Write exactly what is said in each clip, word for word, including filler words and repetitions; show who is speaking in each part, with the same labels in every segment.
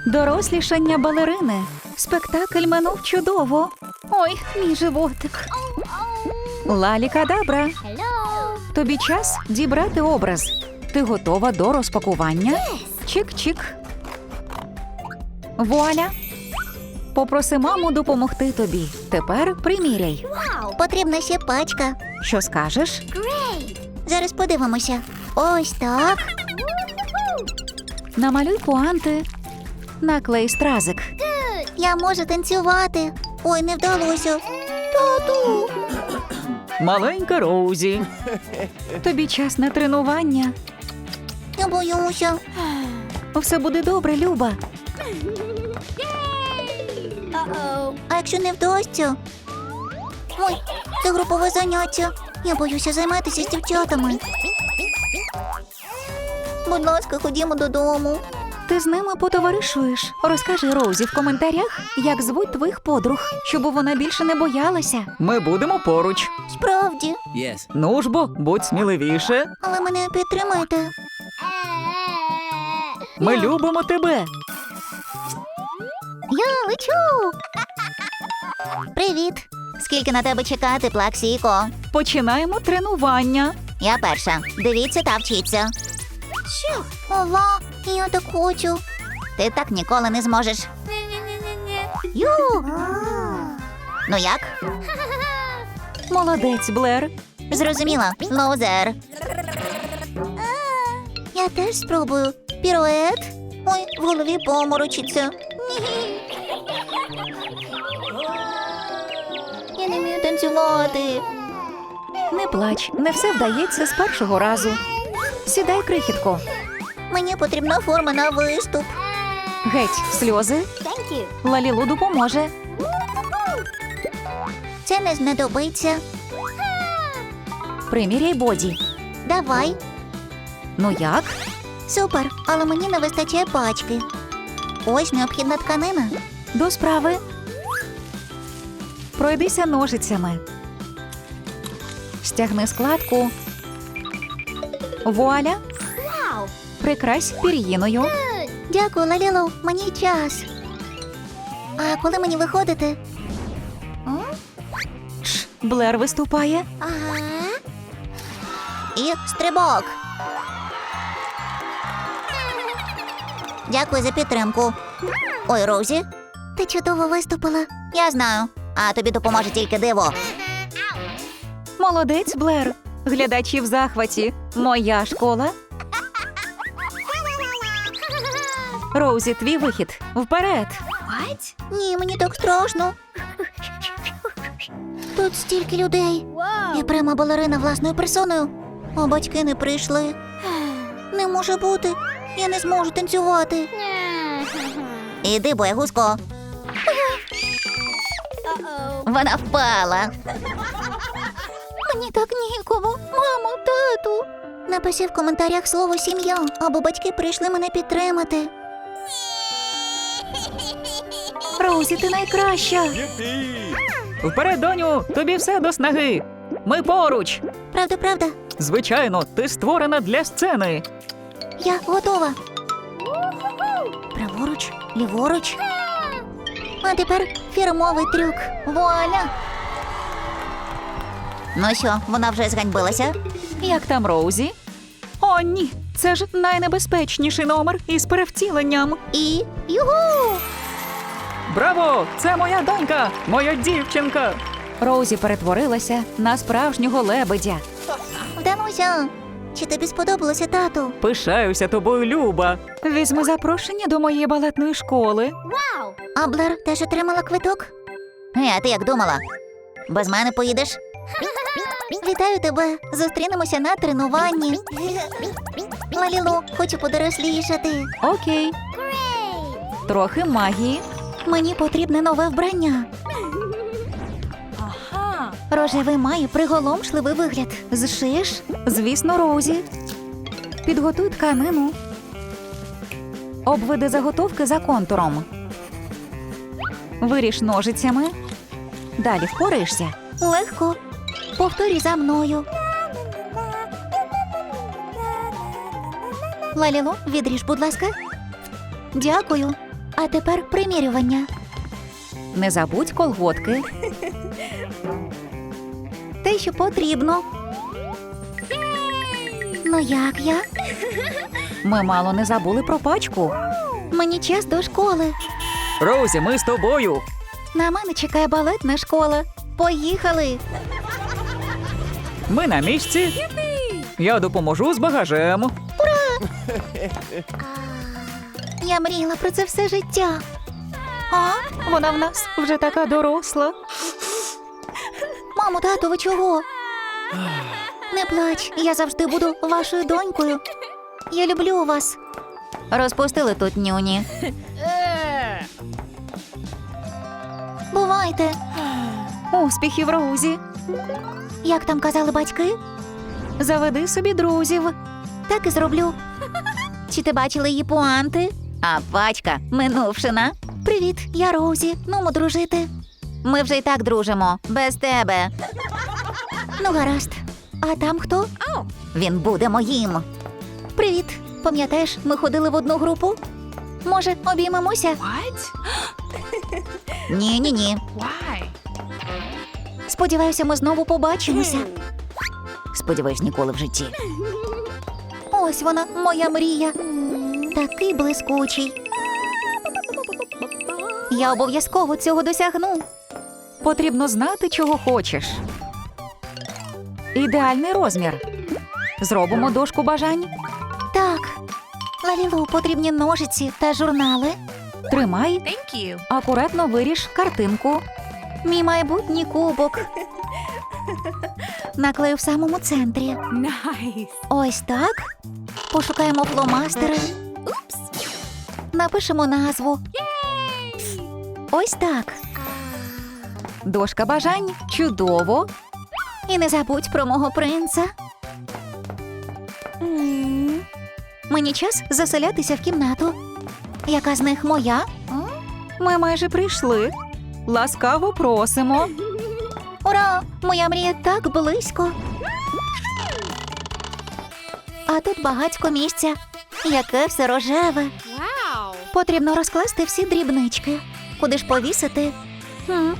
Speaker 1: Дорослішання балерини. Спектакль минув чудово. Ой, мій животик. Лалі-кадабра. Тобі час дібрати образ. Ти готова до розпакування? Чик-чик. Вуаля. Попроси маму допомогти тобі. Тепер приміряй.
Speaker 2: Потрібна ще пачка.
Speaker 1: Що скажеш?
Speaker 2: Зараз подивимося. Ось так.
Speaker 1: Намалюй пуанти. Наклей стразик.
Speaker 2: Я можу танцювати. Ой, не вдалося. Тату.
Speaker 1: Маленька Роузі. Тобі час на тренування.
Speaker 2: Я боюся.
Speaker 1: Все буде добре, Люба.
Speaker 2: А якщо не вдасться? Ой, це групове заняття. Я боюся займатися з дівчатами. Будь ласка, ходімо додому.
Speaker 1: Ти з ними потоваришуєш. Розкажи Роузі в коментарях, як звуть твоїх подруг, щоб вона більше не боялася. Ми будемо поруч.
Speaker 2: Справді.
Speaker 3: Yes.
Speaker 1: Ну ж бо, будь сміливіше.
Speaker 2: Але мене підтримайте.
Speaker 1: Ми любимо тебе.
Speaker 2: Я лечу. Привіт. Скільки на тебе чекати, Плаксіко?
Speaker 1: Починаємо тренування.
Speaker 2: Я перша. Дивіться та вчіться. Що? Ова, я так хочу. Ти так ніколи не зможеш. Ю! Ну як?
Speaker 1: Молодець, Блер.
Speaker 2: Зрозуміла. Лоузер. Я теж спробую. Пірует. Ой, в голові поморочиться. Я не вмію танцювати.
Speaker 1: Не плач, не все вдається з першого разу. Сідай, крихітко.
Speaker 2: Мені потрібна форма на виступ.
Speaker 1: Геть, сльози. Лалілу допоможе.
Speaker 2: Це не знадобиться.
Speaker 1: Приміряй боді.
Speaker 2: Давай.
Speaker 1: Ну як?
Speaker 2: Супер, але мені не вистачає пачки. Ось необхідна тканина.
Speaker 1: До справи. Пройдися ножицями. Стягни складку. Вуаля. Прикрась пір'їною.
Speaker 2: Дякую, Лалілу, мені час. А коли мені виходити?
Speaker 1: Шш, Блер виступає.
Speaker 2: Ага. І стрибок. Дякую за підтримку. Ой, Роузі, ти чудово виступила. Я знаю. А тобі допоможе тільки диво.
Speaker 1: Молодець, Блер. Глядачі в захваті. Моя школа. Роузі, твій вихід. Вперед.
Speaker 2: Ні, мені так страшно. Тут стільки людей. Я прямо балерина власною персоною. А батьки не прийшли. Не може бути. Я не зможу танцювати. Іди, боягузко. Вона впала. Мені так нікому. Мамо, тату. Напиши в коментарях слово «сім'я», або батьки прийшли мене підтримати.
Speaker 1: Роузі, ти найкраща. Вперед, доню, тобі все до снаги. Ми поруч.
Speaker 2: Правда, правда?
Speaker 1: Звичайно, ти створена для сцени.
Speaker 2: Я готова. Праворуч, ліворуч. А тепер фірмовий трюк. Вуаля! Ну що, вона вже зганьбилася?
Speaker 1: Як там Роузі? О, ні, це ж найнебезпечніший номер із перевтіленням.
Speaker 2: І югу!
Speaker 1: Браво! Це моя донька, моя дівчинка. Роузі перетворилася на справжнього лебедя.
Speaker 2: Вдалося! Чи тобі сподобалося, тату?
Speaker 1: Пишаюся тобою, Люба. Візьми запрошення до моєї балетної школи.
Speaker 2: А Блер теж отримала квиток? Е, а ти як думала? Без мене поїдеш? Вітаю тебе! Зустрінемося на тренуванні. Лалілу, хочу подорослішати.
Speaker 1: Окей. Трохи магії.
Speaker 2: Мені потрібне нове вбрання. Рожевий має приголомшливий вигляд. Зшиєш?
Speaker 1: Звісно, Роузі. Підготуй тканину. Обведи заготовки за контуром. Виріж ножицями. Далі впораєшся.
Speaker 2: Легко. Повторюй за мною. Лалілу, відріж, будь ласка. Дякую. А тепер примірювання.
Speaker 1: Не забудь колготки.
Speaker 2: Те, що потрібно. Ну як я?
Speaker 1: Ми мало не забули про пачку.
Speaker 2: Мені час до школи.
Speaker 1: Роузі, ми з тобою.
Speaker 2: На мене чекає балетна школа. Поїхали!
Speaker 1: Ми на місці. Я допоможу з багажем.
Speaker 2: Я мріяла про це все життя.
Speaker 1: А, вона в нас вже така доросла.
Speaker 2: Мамо, тату, ви чого? Не плач, я завжди буду вашою донькою. Я люблю вас. Розпустили тут нюні. Бувайте.
Speaker 1: Успіхів, Роузі.
Speaker 2: Як там казали батьки?
Speaker 1: Заведи собі друзів.
Speaker 2: Так і зроблю. Чи ти бачила її пуанти? А пачка минувшина. Привіт, я Роузі. Нумо дружити. Ми вже й так дружимо. Без тебе. Ну, гаразд. А там хто? Він буде моїм. Привіт. Пам'ятаєш, ми ходили в одну групу? Може, обіймемося? Ні-ні-ні. Сподіваюся, ми знову побачимося. Сподіваюсь, ніколи в житті. Ось вона, моя мрія. Такий блискучий. Я обов'язково цього досягну.
Speaker 1: Потрібно знати, чого хочеш. Ідеальний розмір. Зробимо дошку бажань.
Speaker 2: Так. Лалілу, потрібні ножиці та журнали.
Speaker 1: Тримай. Акуратно виріж картинку.
Speaker 2: Мій майбутній кубок. Наклею в самому центрі. Ось так. Пошукаємо фломастери. Напишемо назву. Ось так.
Speaker 1: Дошка бажань. Чудово.
Speaker 2: І не забудь про мого принца. Мені час заселятися в кімнату. Яка з них моя?
Speaker 1: Ми майже прийшли. Ласкаво просимо.
Speaker 2: Ура! Моя мрія так близько. А тут багатько місця. Яке все рожеве. Потрібно розкласти всі дрібнички. Куди ж повісити? Хм.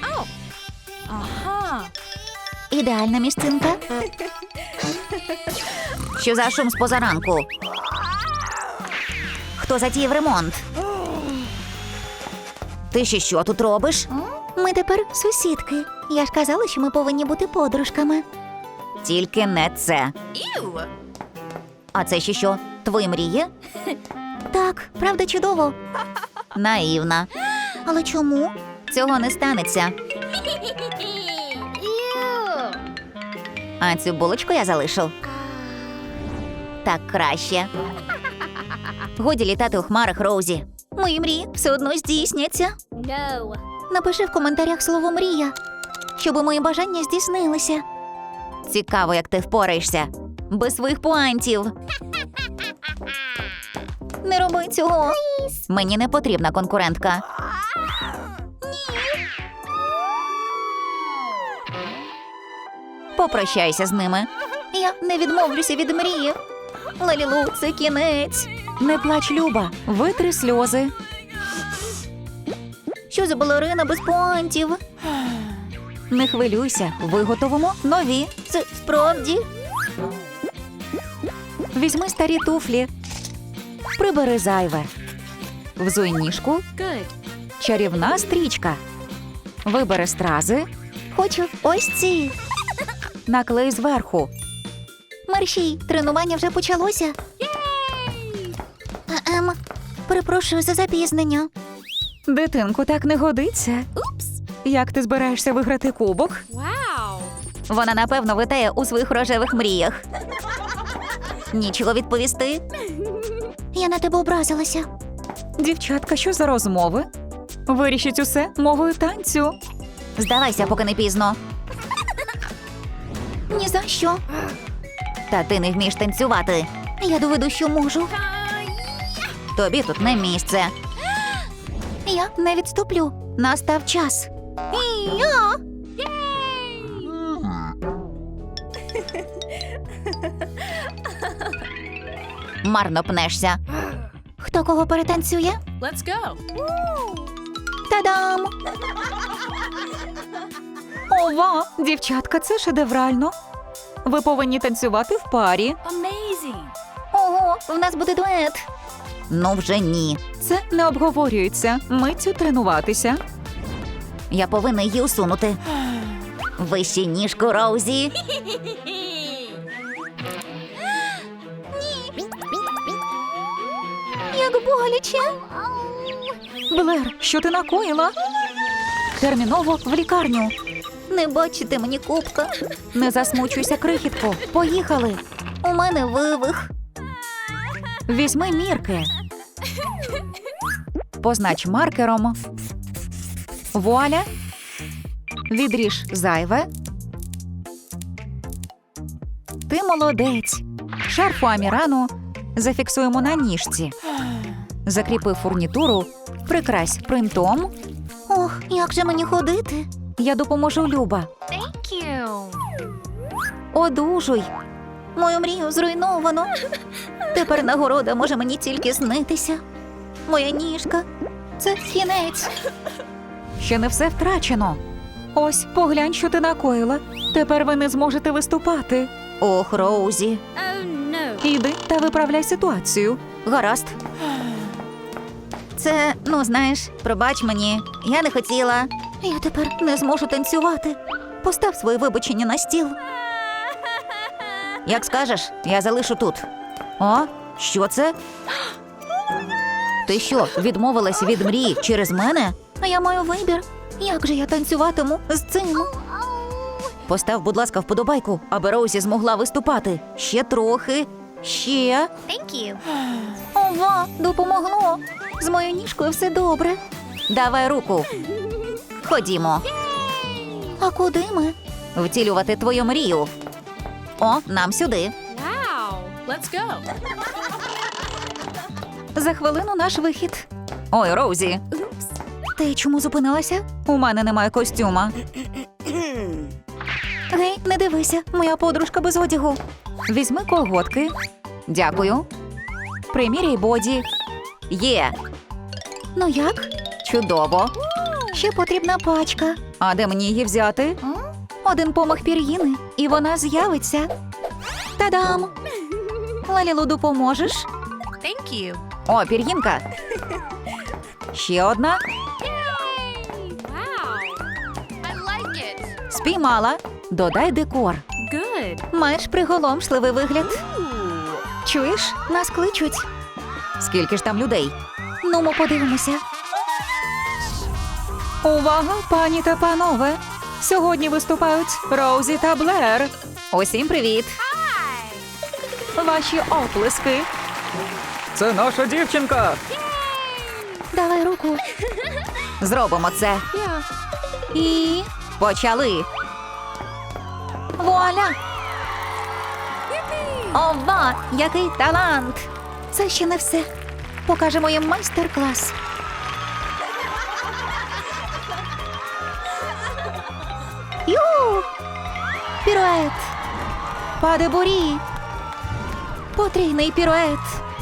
Speaker 2: Ідеальна місцинка. Що за шум з позаранку? Хто затіяв ремонт? Ти ще що тут робиш? Ми тепер сусідки. Я ж казала, що ми повинні бути подружками. Тільки не це. А це ще що? Твої мрії? Так, правда чудово. Наївна. Але чому? Цього не станеться. А цю булочку я залишу. Так краще. Годі літати у хмарах, Роузі. Мої мрії все одно здійсняться.
Speaker 3: No.
Speaker 2: Напиши в коментарях слово «мрія», щоб мої бажання здійснилися. Цікаво, як ти впораєшся. Без своїх пуантів. Не роби цього. Мені не потрібна конкурентка. Попрощайся з ними. Я не відмовлюся від мрії. Лалілу, це кінець.
Speaker 1: Не плач, Люба. Витри сльози.
Speaker 2: Що за балерина без пуантів?
Speaker 1: Не хвилюйся. Виготовимо нові.
Speaker 2: Це справді?
Speaker 1: Візьми старі туфлі. Прибери зайве. Взуй ніжку.
Speaker 3: Good.
Speaker 1: Чарівна стрічка. Вибери стрази.
Speaker 2: Хочу ось ці.
Speaker 1: Наклей зверху.
Speaker 2: Мерщій, тренування вже почалося. Ем, перепрошую за запізнення.
Speaker 1: Дитинку, так не годиться.
Speaker 3: Oops.
Speaker 1: Як ти збираєшся виграти кубок?
Speaker 3: Wow.
Speaker 2: Вона, напевно, витає у своїх рожевих мріях. Нічого відповісти. Я на тебе образилася.
Speaker 1: Дівчатка, що за розмови? Вирішіть усе мовою танцю.
Speaker 2: Здавайся, поки не пізно. Ні за що. Та ти не вмієш танцювати. Я доведу, що можу. Тобі тут не місце. Я не відступлю. Настав час. І-я! Марно пнешся. Хто кого перетанцює?
Speaker 3: Let's go.
Speaker 2: Та-дам!
Speaker 1: Ова, дівчатка, це шедеврально. Ви повинні танцювати в парі.
Speaker 3: Amazing.
Speaker 2: Ого, в нас буде дует. Ну вже ні.
Speaker 1: Це не обговорюється. Миттю тренуватися.
Speaker 2: Я повинна її усунути. Вище ніжку, Роузі. Як боляче.
Speaker 1: Блер, що ти накоїла? Терміново в лікарню.
Speaker 2: Не бачите мені кубка.
Speaker 1: Не засмучуйся, крихітко. Поїхали.
Speaker 2: У мене вивих.
Speaker 1: Візьми мірки. Познач маркером. Вуаля. Відріж зайве. Ти молодець. Шарфу Амірану зафіксуємо на ніжці. Закріпи фурнітуру, прикрась принтом.
Speaker 2: Ох, як же мені ходити?
Speaker 1: Я допоможу, Люба.
Speaker 3: Thank you.
Speaker 1: Одужуй.
Speaker 2: Мою мрію зруйновано. Тепер нагорода може мені тільки снитися. Моя ніжка. Це кінець.
Speaker 1: Ще не все втрачено. Ось, поглянь, що ти накоїла. Тепер ви не зможете виступати.
Speaker 2: Ох, Роузі.
Speaker 3: Oh no.
Speaker 1: Іди та виправляй ситуацію.
Speaker 2: Гаразд. Це, ну знаєш, пробач мені. Я не хотіла. Я тепер не зможу танцювати. Постав свої вибачення на стіл. Як скажеш, я залишу тут. О, що це? Ти що, відмовилась від мрії через мене? А я маю вибір. Як же я танцюватиму з цим? Постав, будь ласка, вподобайку, аби Роузі змогла виступати. Ще трохи. Ще.
Speaker 3: Thank you.
Speaker 2: Ова, допомогло. З моєю ніжкою все добре. Давай руку. Ходімо. А куди ми? Втілювати твою мрію. О, нам сюди.
Speaker 3: Wow. Let's go.
Speaker 1: За хвилину наш вихід. Ой, Роузі,
Speaker 2: Ти чому зупинилася?
Speaker 1: у мене немає костюма.
Speaker 2: Гей, не дивися, моя подружка без одягу.
Speaker 1: Візьми колготки. Дякую. Приміряй боді. Є.
Speaker 2: Ну як?
Speaker 1: Чудово.
Speaker 2: Ще потрібна пачка.
Speaker 1: А де мені її взяти?
Speaker 2: Один помах пір'їни, і вона з'явиться. Та-дам! Лалілу, допоможеш?
Speaker 3: Thank you.
Speaker 1: О, пір'їнка. Ще одна.
Speaker 3: Wow. I like it.
Speaker 1: Спіймала. Додай декор.
Speaker 3: Good.
Speaker 2: Маєш приголомшливий вигляд.
Speaker 3: Ooh.
Speaker 2: Чуєш? Нас кличуть.
Speaker 1: Скільки ж там людей?
Speaker 2: Ну, ми подивимося.
Speaker 1: Увага, пані та панове! Сьогодні виступають Роузі та Блер. Усім привіт! Ваші оплески. Це наша дівчинка.
Speaker 2: Давай руку.
Speaker 1: Зробимо це.
Speaker 3: Yeah.
Speaker 1: І почали.
Speaker 2: Вуаля! Ова, який талант! Це ще не все. Покажемо їм майстер-клас. Ю! Пірует! Падебурі! Потрійний пірует!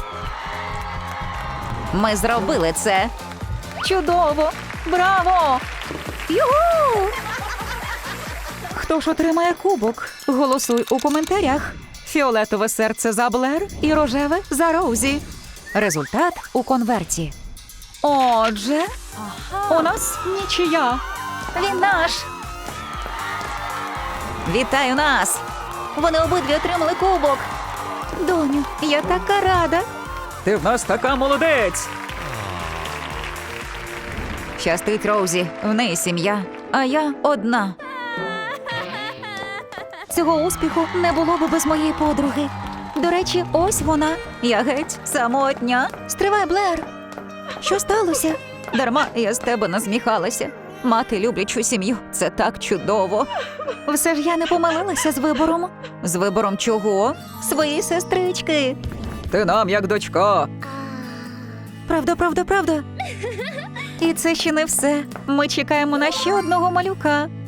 Speaker 1: Ми зробили це.
Speaker 2: Чудово! Браво! Югу!
Speaker 1: Хто ж отримає кубок? Голосуй у коментарях. Фіолетове серце за Блер і рожеве за Роузі. Результат у конверті. Отже, у нас нічия.
Speaker 2: Він наш!
Speaker 1: Вітаю нас!
Speaker 2: Вони обидві отримали кубок. Доню, я така рада.
Speaker 1: Ти в нас така молодець. Щастить Роузі, в неї сім'я, а я одна.
Speaker 2: Цього успіху не було би без моєї подруги. До речі, ось вона. Я геть самотня. Стривай, Блер. Що сталося?
Speaker 1: Дарма я з тебе насміхалася. Мати люблячу сім'ю – це так чудово.
Speaker 2: Все ж я не помилилася з вибором.
Speaker 1: З вибором чого?
Speaker 2: Своєї сестрички.
Speaker 1: Ти нам як дочка.
Speaker 2: Правда, правда, правда.
Speaker 1: І це ще не все. Ми чекаємо на ще одного малюка.